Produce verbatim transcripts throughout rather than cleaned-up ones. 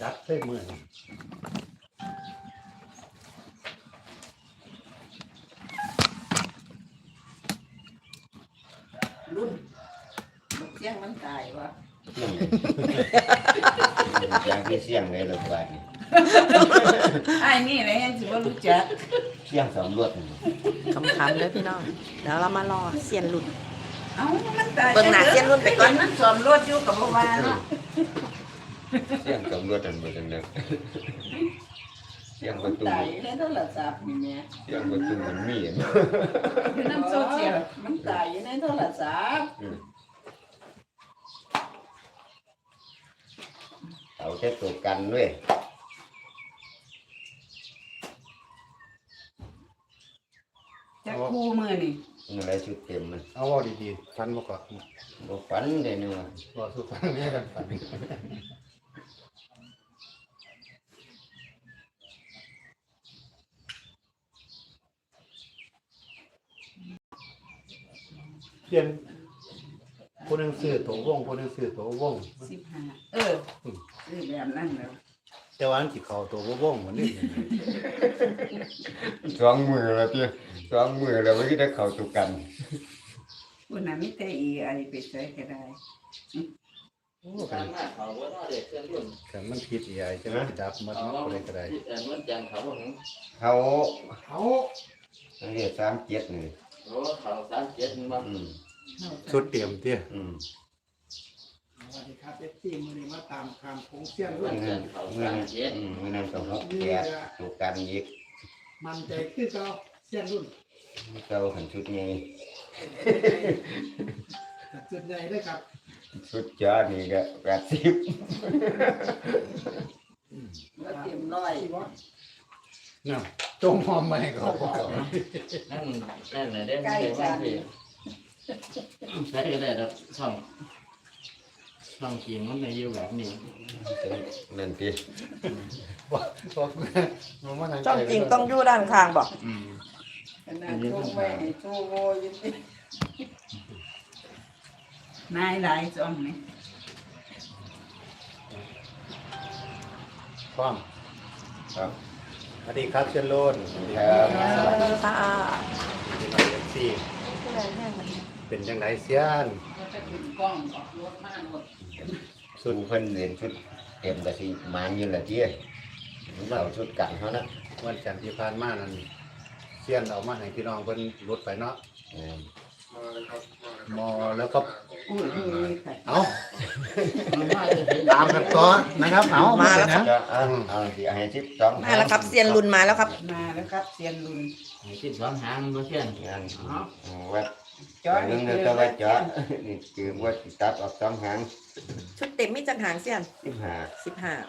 จัดเส้นมือรุ่นมันเสียงมันตายวะอย่างที่เสี่ยงเลยหรือเปล่าไอ้นี่อะไรยังถือว่ารู้จักเสี่ยงสำรวจคำคันเลยพี่น้องเดี๋ยวเรามารอเสียนหลุดเอ้ามันตายเบิ่งหน้าเสี้ยนรุ่นไปก่อนมันสอมรถอยู่กับบ่ว่าเนาะเสี่ยงสำรวจอันเบอร์จังเดิมเสี่ยงประมันตูตายในโทรศัพท์นี่แม่เสี่ยงประตูมันมีเนาะอยู่น้ำโซเชียลมันตายอยู่ในโทรศัพท์เอาแค่ตัวกันด้วยจะคู่มือนี่อะไรชุดเต็มมันเอาว่าดีๆฟันมาก่อนบ่ฝันเลยเนาะว่าสุฟังเนี่ยกันฟันเปลี่ยนคนหนึ่งซื้อตัววงคนหนึ่งซื้อตัววงสิบห้าเออซื้อแบบนั้นแล้วแต่ว่าอันที่เขาตัววงเหมือนนี่สองมือแล้วเตี้ยสองมือแล้วไม่ได้เข้าตัวกันวันนั้นมีแต่อีไอไปใช้ก็ได้โอ้กันกันมันผิดอีไอจะไม่ดับมันเนาะอะไรก็ได้เขาเขาเรียกสามเจ็ดนี่โอ้เขาสามเจ็ดมั้งอืมชุดเตรียมเตี้ยอืมสวัสดีครับเอฟซีมือนี้มาตามคำของเสี้ยนเมื่รุ่อน นั้นเมื่อนั้นอืมเมื่อนั้นก็หกแปดตัวกันอีกมันใจคือเขาเสี้ยนรุ่นเจ้าหันชุดนี้จุดใหญ่เลยครับชุดจ้านี่ก็แปดสิบแล้วเต็มร้อยที่ว่าน่ะจงหอมไม่เขาบอกนั่นนั่นแหละได้ไม่ได้ว่าพี่ใช้ก็ได้แล้วช่องช่องกินมันในอยู่แบบนี้นั่นทีว่าบอกมันว่าจ้องจริงต้องอยู่ด้านข้างบอกอืมขนาดโชว์ไว้ให้โชว์โวอยังตินายหลายจ้องนี่ความครับสวัสดีครับเชนโลนครับสวัสดีค่ะสี่เป็นจังไรเสียนก็จะขึ้นกล้องออกรถมาหมดชุดเพิ่นเรียนชุดเต็มแต่สิมันอยู่ละเตี้ยมันเอาชุดกันเขานะวันจันทร์ที่ผ่านมานั้นเสียนเอามาให้พี่น้องเพิ่นรถไปเนาะอืมมอแล้วก็อุ้ยนี่นี่ค่ะเอาตามกันต่อนะครับเอามาแล้วนะจะเอาเอาสิให้สิบสองมาแล้วครับเสียนหลุนมาแล้วครับมาแล้วครับเซียนลุนคิดสองหางมาเช่นงานวัดจอดเรื่องนี่เดีคืยวอก็ว่าจอดนี่คือว่าสิตัดออกสองหางชุดเต็มไม่จังหางเสียนสิบห้าสิบห้า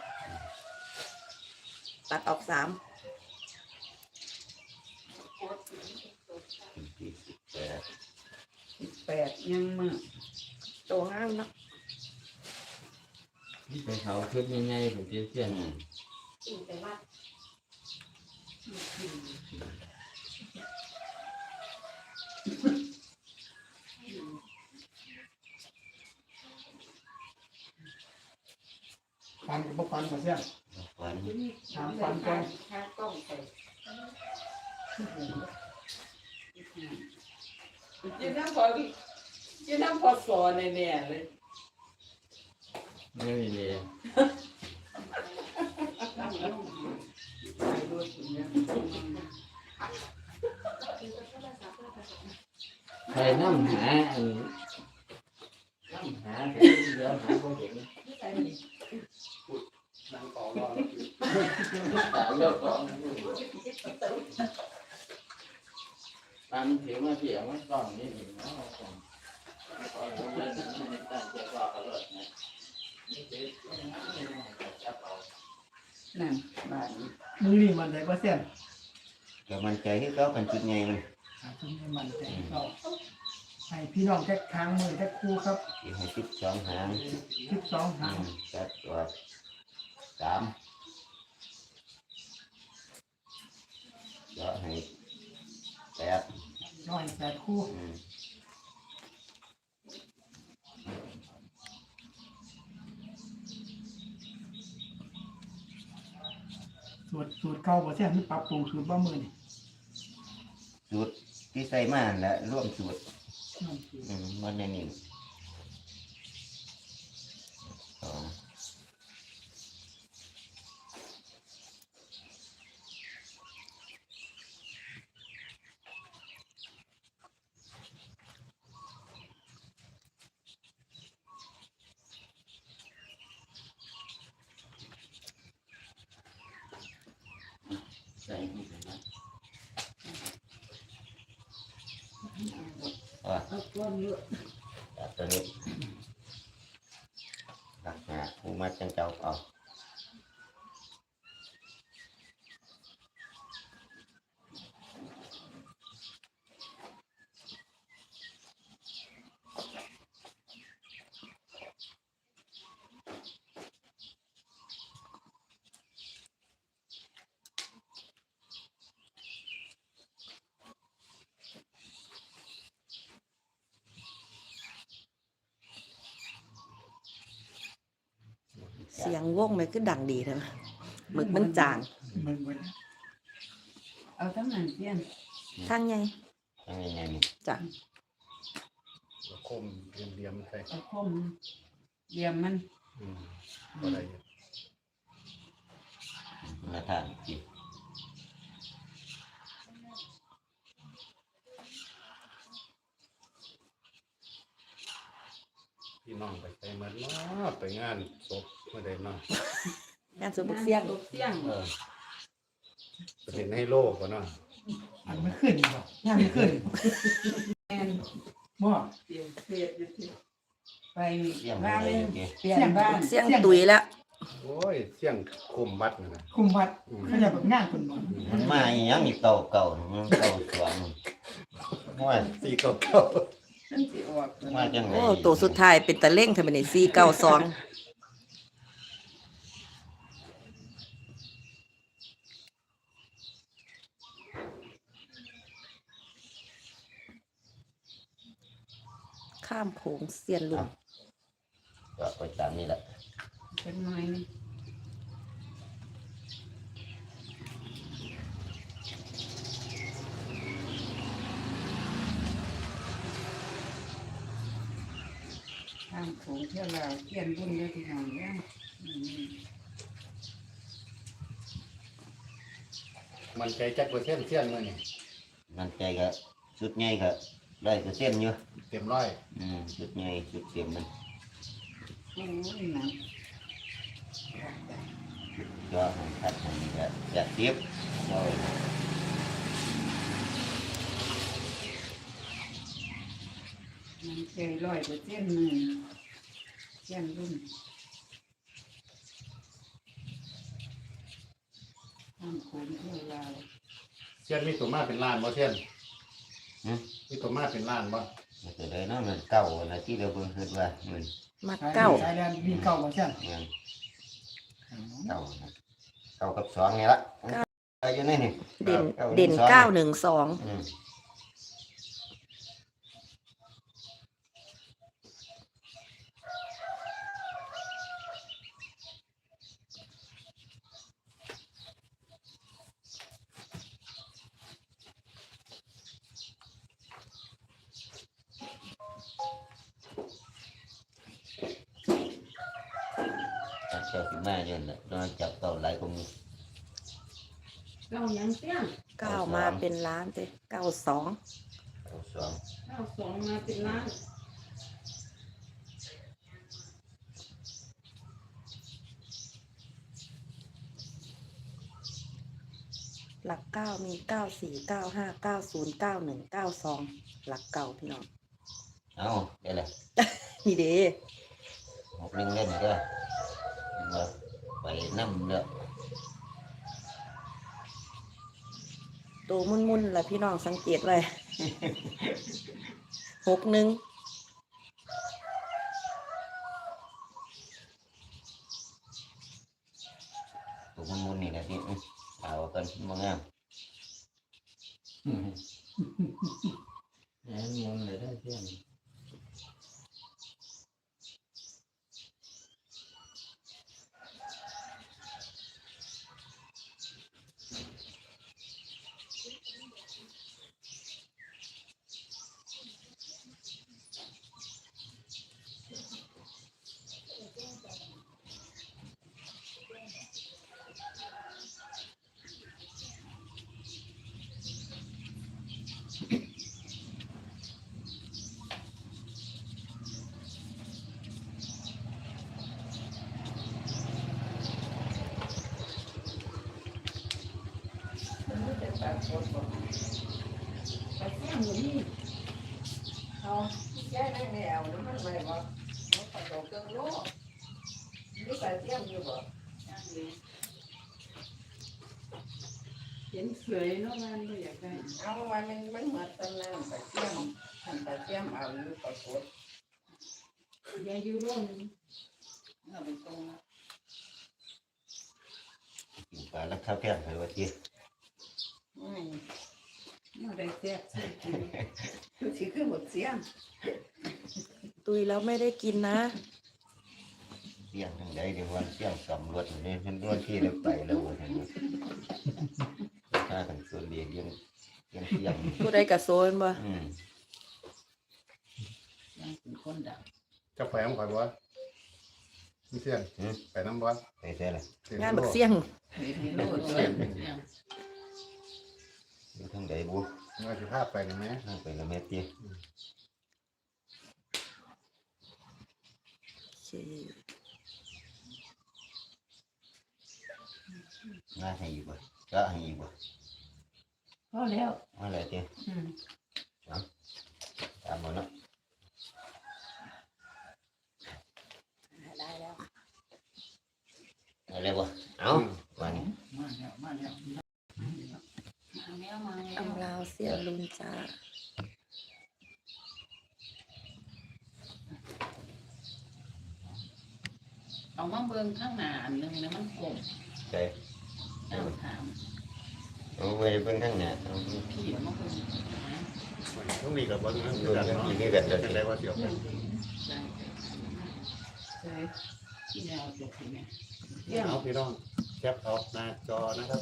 ตัดออกสามสี่สิบแปดสิบแปดยังมือตัวห้ามเนาะไปเขาชุดยังไงผมเช่นอืมฟันกับบ่ฟันมาเสี้ยนวันถามฟันก่อนยืนน้ำพอยืนน้ำพอสอนแน่ๆเลยไม่มีเลยใครน้ำหาอันน้ำหาเดี๋ยวหาพวกเห็นนางต่อรอตาเลือกก่อนตามผิวมาเสียมันก่อนนี่เนาะก่อนก่อนแล้วมันตั้งใจว่าเขาเลยนะนี่คือจับเอานั่นบ้านนี้มือนี่มันใจว่าเสี้ยนก็มันใจที่เขาเป็นชุดใหญ่มันหาจุดนี้มันใจเขาให้พี่น้องแค่ค้างมือแค่คู่ครับสิให้สิบสองหางสิบสองหาอืงมจัดตัวสามแล้วให้แปดน้อยแปดคู่อืมสูตรสูตรเก่าบ่เสียมันปรับปรุงสูตรบ่มื้อนี่สูตรที่ใส่มาแล้วร่วมสูตรน้ำสูตรอืมมันในนี่สองใส่นี่ไปนะอ่ะเอาก้อนเยอะจับตัวนี้หลักหาผู้มาจังเจ้าเอาเสียงวงมันคือดังดีใช่ไหมหมึกมันจางมันมันเอาทั้งนั้นเพี้ยนทางไงยังไงไงนี่จ้ะแล้วคมเรียมๆใส่เอาคมเยี่ยมมันอืมบ่ได้อยู่มาทานกินพี่น้องไปไปมันเนาะไปงานศพเมื่อใดเนาะงานสวนบุกเสียงตกเสียงเออไปเห็นให้โลกก่อนเนาะอันมันขึ้นบ่ย่างมันขึ้นแอนบ่เปลี่ยนเสียอยู่ที่ไปเสี่ยงบ้านเลเลย ยโอเคเปลี่ยนบ้านเสียงตุยแล้วโอ้ยเสียงคุมวัดนั่นน่ะคุมวัดอืมเขาจะแบบงานคนบ่มันมาอีหยังอีกเก่าเก่าๆมันเก่าสวงว่าสี่เก้าเก้าฉันสิออกมาจังไงโอ้ตัวสุดท้ายเป็นตะเล่งทำไมนี่สี่เก้าสองข้ามโขงเสียนลุงก็ไปตามนี่แหละเป็นหน่อยนี่ทางโขงเที่ยวลาวเขียนบุญเลยที่น้องเนี่ยอืมมันใจจักเปอร์เซ็นต์เสียนมื้อนี่มันใจก็สุดใหญ่ก็ได้เปอร์เซ็นต์อยู่เต็มร้อยอืมสุดใหญ่สุดเต็มมันโอ้ยหนังก็ให้ทัดให้ก็อยากเทียบย่อยมันใจร้อยเปอร์เซ็นต์หนึ่งเขียนบุญทางโขงเที่ยวลาวเสียนมีตัวมาเป็นล้านบ่เสียนหึมีตัวมาเป็นล้านบ่มันก็เลยเนาะมันเก่านะที่เราเบิ่งคิดว่ามันมาเก้าสายแดนมีเก่าบ่เสียมันเก่านะเก่ากับสองนี่ละเอาอยู่นี่นี่เด่นก้าเด่นสองเก้าหนึ่งสองอืม เจ้าสิมาอยู่น่ะโดนจับเก่าหลายกว่ามีเก้ายังเสียงเก้ามาเป็นล้านเจ้เก้าสองเก่าสองเก้าสองมาเป็นล้านหลักเก้ามีเก้าสี่เก้าห้าเก้าศูนย์เก้าหนึ่งเก้าสองหลักเก่าพี่น้องเอาเดี๋ยวเลยนี่เด้หกหนึ่งเล่นก็มาไปน้ำเด้อตัวมุ่นๆแหละพี่น้องสังเกตไว้ หกหนึ่งตัวมุนๆนี่แหละที่อื้อเอากันมางามแหนมนเลยได้เพื่อนเเห็นสวยเนาะมันบ่อยากได้เอาวันนึงมันหมดตำนานไปเที่ยมท่านไปเที่ยมเอาอยู่ปรากฏยายอยู่ร่วมเอาไปตรงละกินปลาแล้วข้าวแกงไปว่าจีอืมเอาได้แซ่บสิคือสิคือหมดเสียงตุยแล้วไม่ได้กินนะเสี่ยงทางใดเดี๋ยววันเสี่ยงสำรวจนี่มันรวดที่แล้วไปแล้วว่าท่านถ้ากันส่วนเดียวยังยังเสี่ยงผู้ใดกระโซนบ่อืมยังเป็นคนดังจะไปน้ำข่อยบ่มีเสียงไปน้ำบ่ไปใช่ละงานบักเสี่ยงเห็นโลดเลยอยู่ทางใดบุว่าสิพาไปนี่แม่ทางไปละเม็ดจีโอเคง่ายให้อยู่บ่ก็ให้อยู่บ่พอแล้วอะไรจีอืมตามมาเนาะได้แล้วอะไรบ่เอาวันนี้มาแล้วมาแล้วมาแล้วมาแล้วอำลาวเสียลุนจ้าเอามาเบิ่งข้างหน้าอันนึงนะมันกลมใช่ตามถามเอาไปเพิ่งข้างหน้าเอาพี่มาเบิ่งต้องมีกับบ่นะดูกันกินนี่กันเดี๋ยวจังได๋ว่าสิเอาไปใช่ใช่ที่แนวจบที่เนี่ยเอาพี่น้องแคปเอาหน้าจอนะครับ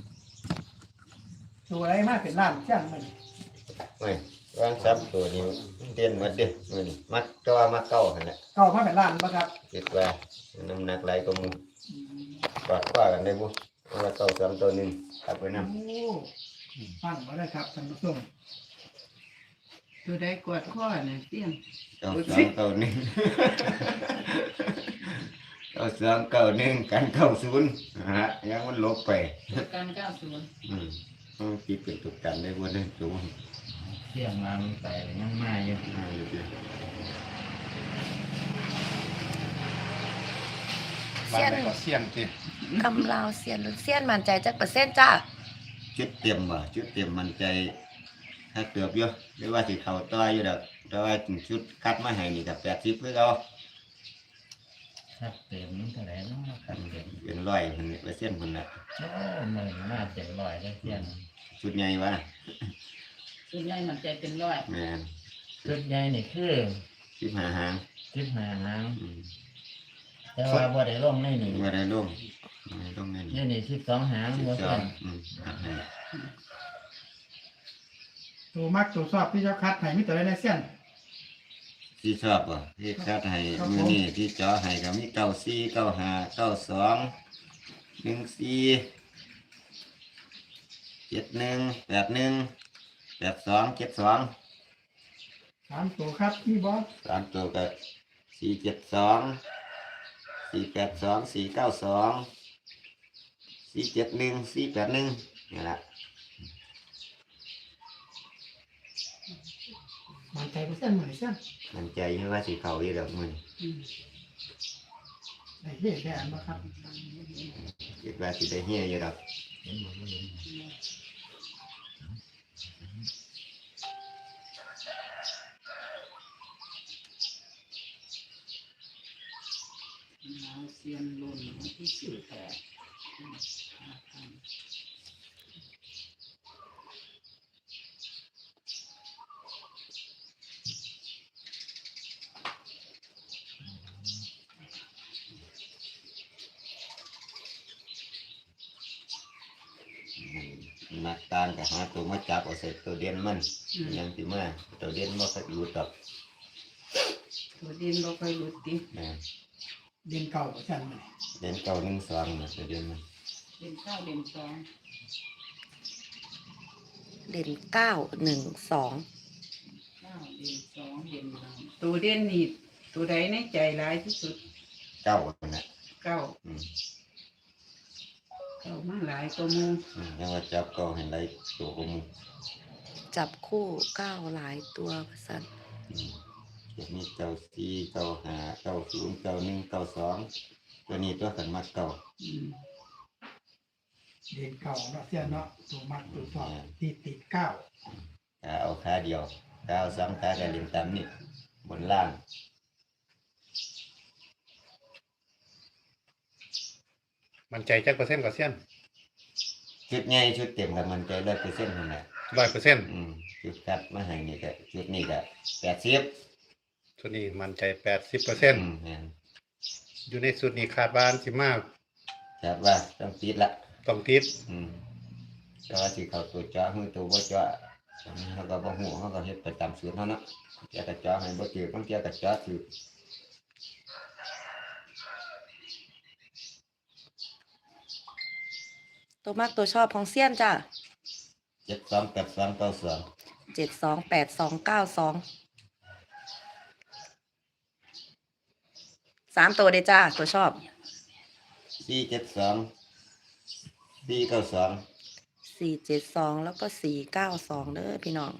ตัวอะไรมากเป็นล้านเสี่ยงมันไม่วางซับตัวนี้เต้นหมดเด้อมื้อนี้มักจอมักเก้าหั่นแหละเก้ามาเป็นล้านบ่ครับคิดว่าน้ำหนักหลายกว่าหมู่กอดคว้ากันได้บ่เพราะว่าเก้าสามตัวหนึงกลับไปนำโอ้ฟังมาได้ครับท่านผู้ชมตัวได้กวดข้อเนี่ยเตี้ยงเก้าสามเก้าหนึ่งเก้าสามเก้าหนึ่งกันเก้าศูนย์ฮะยังมันลบไปการเก้าศูนย์อืมต้องคิดเป็นตุกกันได้บ่ได้สูงเที่ยงมามันไปยังมาอยู่อ่าอยู่ดีบ้านไหนก็เสียงติอำลาวเสียลุนเสียนมั่นใจจักเปอร์เซ็นต์จ้าชุดเต็มว่ะชุดเต็มมันใจถ้าเกือบอยู่หรือว่าสิเข้าต่ออยู่ดอกแต่ว่าชุดคัดมาให้นี่ก็แปดสิบคือเก่าครับเต็มเท่าไหร่เนาะครับเต็มเป็นร้อยเพิ่นเปอร์เซ็นต์เพิ่นน่ะโอ้หมื่นมาเต็มร้อยได้เที่ยงชุดใหญ่วะส่วนใหญ่มันใจเป็นร้อยแม่นชุดใหญ่นี่คือสิบห้าหางสิบห้าหางอืมแต่ว่าบ่ได้ลงในนี่บ่ได้ลงบ่ได้ลงนั่นนี่นี่สิบสองหางสิบบ่สอเที่ยงงอืมอ่ะให้ตัวมักตัวชอบที่เจ้าคัดให้มีตัวอะไรในเสี่ยงที่ชอบบ่ที่คัดให้ครับผมมื้อนี้ที่เจาะให้ก็มีเก้าสี่เก้าห้าเก้าสองหนึ่งสี่เจ็ดหนึ่งแปดหนึ่งแปดสองเจ็ดสองสามตัวครับมีบอสสามตัวก็สี่เจ็ดสองสี่แปดสองสี่เก้าสองสี่เจ็ดหนึ่งสี่แปดหนึ่งนี่แหละมันใจเปอร์เซ็นต์เหมือนเสี่ยงมันใจให้ว่าสีเขาอีดอกมันได้เหี้ยแค่อันบ่ครับคิดว่าสิได้เฮียอยู่ดอกเห็นบ่เห็นเอาเซียนลุ่นที่สิบแปดนักการก็หาตัวมาจับเอาใส่ตัวเด่นมันยังสิมาตัวเด่นบ่ค่อยอยู่ดอกตัวดินเราค่อยหลุดดินะเด่นเก่าเปอร์เซ็นต์มันเด่นเก้าหนึ่งสองนะตัวเด่นมันเด่นเก้าเด่นสองเด่นเก้าหนึ่งสองเก้าเด่นสองเด่นหนึ่งตัวเด่นนี่ตัวใดในใจร้ายที่สุดเก้าคนน่ะเก้าอืมเก้ามาหลายตัวมูอืมยังว่าจับเก้าให้ได้ตัวกว่าหมู่จับคู่เก้าหลายตัวสันอืมจะมีเก้าสี่เก้าห้าเก้าศูนย์เก้าหนึ่งเก้าสองตัวนี้ตัวกันมักเก่าอืมเด็กเก่าเนาะเสี้ยนเนาะตัวมักตัวชอบติดติดเก้าถ้าเอาขาเดียวถ้าเอาสองขาก็เล่นตามนี่บนล่างมันใจจักเปอร์เซ็นต์ก็เซียนชุดใหญ่ชุดเต็มกับมันใจร้อยเปอร์เซ็นต์นั่นแหละร้อยเปอร์เซ็นต์อืมชุดคัดมาให้นี่ก็ชุดนี้ก็แปดสิบชุดนี้มันใจแปดสิบเปอร์เซ็นต์อืมแม่นอยู่ในชุดนี้คาดว่าสิมากครับว่าต้องติดละต้องติดอืมแต่ว่าสิเขาตัวจ้ามือตัวบ่จ้าเขาก็บ่ฮู้เขาก็เฮ็ดไปตามสูตรเฮาเนาะเจ้าก็จ้าให้บ่ถือบางเจ้าก็จ้าถือตัวมากตัวชอบของเซียนจ้ะเจ็ดสองแปดสองเก้าสองเจ็ดสองแปดสองเก้าสองสามตัวเลยจ้าตัวชอบสี่เจ็ดสองสี่เก้าสองสี่เจ็ดสองแล้วก็สี่เก้าสองเด้อพี่น้อง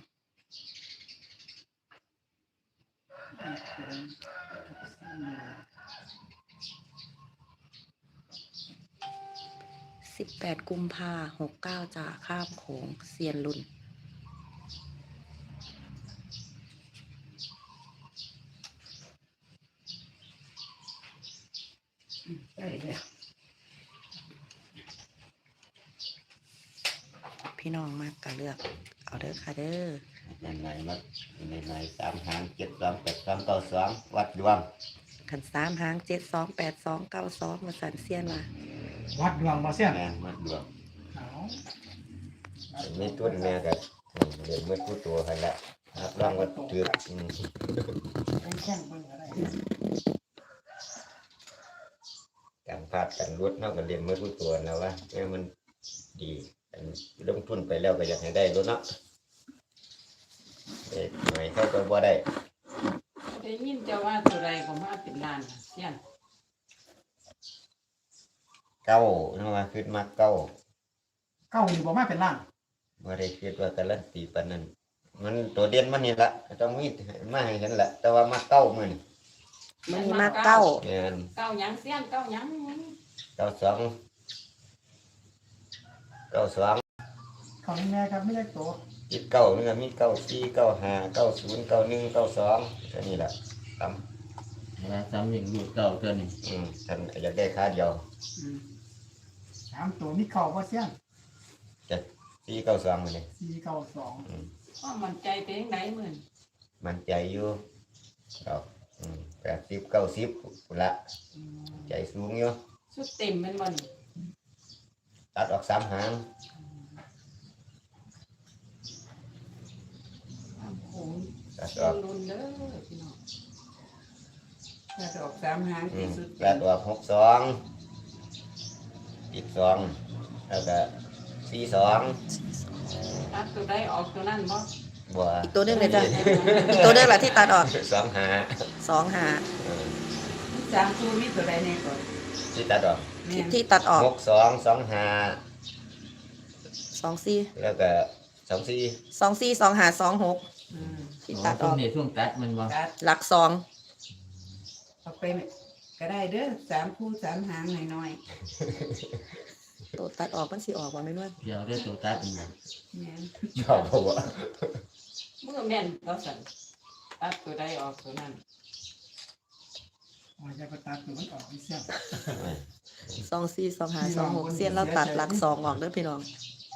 สิบแปดกุมภาหกเก้าจ้าข้ามโขงเซียนรุ่นได้แล้วพี่น้องมากก็เลือก เอาเด้อค่ะเด้อในไหนมาในไหนสามหางเจ็ดสองแปดสองเก้าสองวัดดวงขันสามหางเจ็ดสองแปดสองเก้าสองมาสันเซียนมาวัดดวงบ่เสี้ยนแม่นวัดดวงเอาไม่ตุ้นแม่ก็เรียนเมื่อผู้ตัวให้ละรับรองว่าถืออืมเป็นแข้งเบิ่งอะไรการพลาดกันรุดเท่ากับเรียนเมื่อผู้ตัวนะว่าแม่มันดีอันลงทุนไปแล้วก็อยากให้ได้รุดเนาะเด็กหน่อยเขาก็บ่ได้ได้ยินจะว่าตัวใดก็มาเป็นล้านเสี้ยนเก้าเนาะว่าคิดมาเก้าเก้านี่บ่มาเป็นล้านบ่ได้คิดว่าการันตีปานนั้นมันตัวเด่นมันนี่ละต้องมีมาให้เห็นละแต่ว่ามาเก้ามื้อนี่มันมีมาเก้าแม่นเก้าหยังเสี้ยนเก้าหยังเก้าสองเก้าสองเขานี่แม่ครับไม่ได้ตัวจิตเก้านี่ก็มีเก้าสี่เก้าห้าเก้าศูนย์เก้าหนึ่งเก้าสองแค่นี้แหละตามแล้วซ้ำอย่างลูกเก่าตัวนี้อืมท่านอยากได้ค่าเดียวอืมสามตัวมีเข่าบ่เสี้ยนจะสี่เก้าสองเลยสี่เก้าสองก็มันใจเป็นยังไงเหมือนมันใจอยู่ดอกแปดสิบเก้าสิบพุ่นละใจสูงอยู่สุดเต็มเป็นมันตัดออกสามหางโอ้โหตัดอเสี้ยอน กรุนเด้อพี่น้องถ้าจะออกสามหางอืที่มสุดตัดออกหกสองอีกสองแล้วก็สี่สองตัดตัวใดออกตัวนั้นบ่บัวอีกตัวหนึงเลยจ้ะ อีกตัวหนึงแหละที่ตัดออกสองหาสองหาเออสามตัวมีตัวใดแน่ก่อนที่ตัดออกแม่ที่นที่ตัดออกหกสองสองหาสองสี่แล้วก็สองสี่สองสี่สองหาสองหกอืมที่ตัดออกในช่วงตัดมันบ่ตัดหลักสองเอาไปก็ได้เด้อสามคู่สามหางหน่อยตัวตัดออกมันสิออกว่าไม่นวลเดี๋ยวได้ตัวตัดมันบ่ๆแม่นชอบบัวเมื่อแม่นก็สั่นตัดตัวใดออกตัวนั้นอ๋อจะไปตัดตัวมันออกอีเสี้ยนสองสี่สองหาสองหกเซียนเราตัดหลักสองออกเด้อพี่น้อง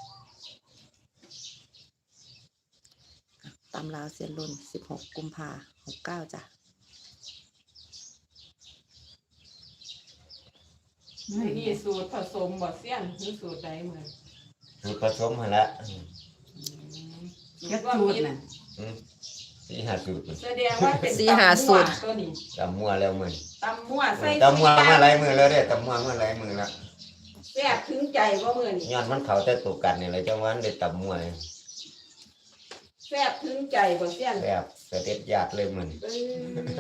ตำราวเซียนรุ่นสิบหกกุมภาหกเก้าจ้ะไม่นี่สูตรผสมบ่เสี้ยนหรือสูตรใดเหมือนสูตรผสมมาละเก็ดสูตรน่ะอืมสี่ห้าสูตรแสดงว่าเป็นสี่หาสูตรตัวนี้ตำมั่วแล้วมือตำมั่วใส่ตำมั่วมาหลายมือแล้วเด้ตำมั่วมาหลายมือแล้วแซ่บถึงใจว่ามื้อนี้ย้อนมันเขาแต่ตัวกันนี่แหละจังหวะนั้นได้ตำมั่วเลยแซ่บถึงใจบ่เสี้ยนแบบเสด็จญาติเลยมือเอ้ย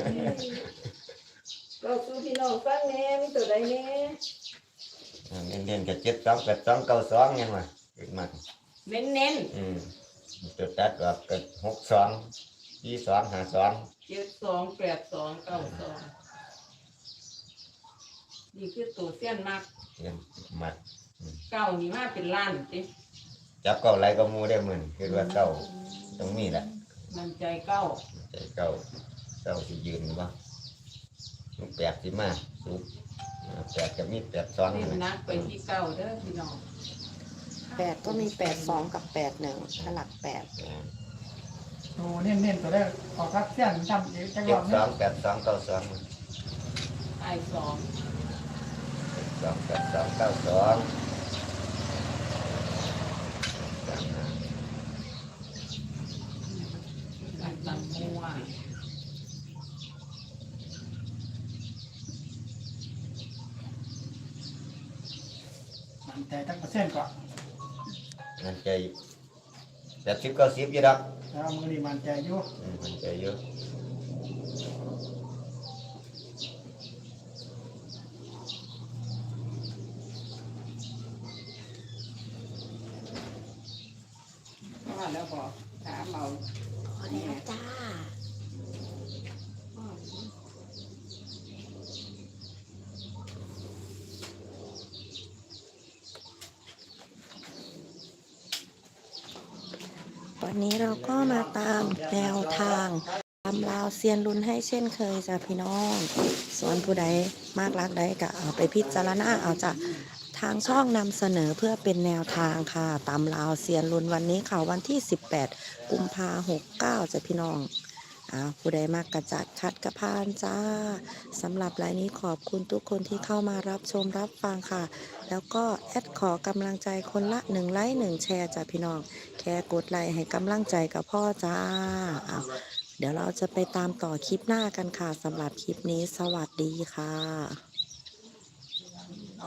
เราสู่พี่น้องฟังแหน่มีตัวใดแหน่เน้นเน้นๆกับเจ็ดสองแปดสองเก้าสองยังวะขึ้นมาเน้นอืมจุดตัดออกกับหกสองยี่สองห้าสองๆเจ็ดสองแปดสองเก้าสองนี่คือตัวเสี้ยนมากเงินมัดเก้านี่มาเป็นล้านติจับเก้าไรก็มูได้เหมือนคือว่าเก้าตรงนี้แหละมันใจเก้าใจเก้าเก้าที่ยืนว่าแปดที่มาสูบแปดจะมีแปดซ้อนเน้นเลยนักไปที่เก้าเด้อพี่น้องแปดก็มีแปดสองกับแปดหนึ่งถ้าหลักแปดตัวเน้นๆตัวแรกออกครับเสี้ยนจำเดี๋ยวจะรเจ็อดบสนะองแปดสองเก้าสองไอ้สองสองแปดสองเก้าสองสามห้าไอ้ตังมัวมันใจตั้งเปอร์เซ็นต์ก่อนมันใจแปดสิบเก้าสิบอยู่ดอกแล้วมือนี่มันใจอยู่อืมมันใจเยอะว่าแล้วบอกถามเอาพอแล้วจ้า วันนี้เราก็มาตามแนวทางตามราวเซียนลุ้นให้เช่นเคยจ้ะพี่น้อง ส่วนผู้ใดมากรักใดก็เอาไปพิจารณาเอาจ้ะทางช่องนำเสนอเพื่อเป็นแนวทางค่ะ ตามราวเซียนลุ้นวันนี้ค่ะวันที่สิบแปดกุมภาหกเก้าจ้ะพี่น้องอ้าวผู้ใดมากกระจัดคัดกระพานจ้าสำหรับรายนี้ขอบคุณทุกคนที่เข้ามารับชมรับฟังค่ะ แล้วก็แอดขอกำลังใจคนละหนึ่งไลค์หนึ่งแชร์จ้ะพี่น้อง แค่กดไลค์ให้กำลังใจกับพ่อจ้าอ้าวเดี๋ยวเราจะไปตามต่อคลิปหน้ากันค่ะสำหรับคลิปนี้สวัสดีค่ะ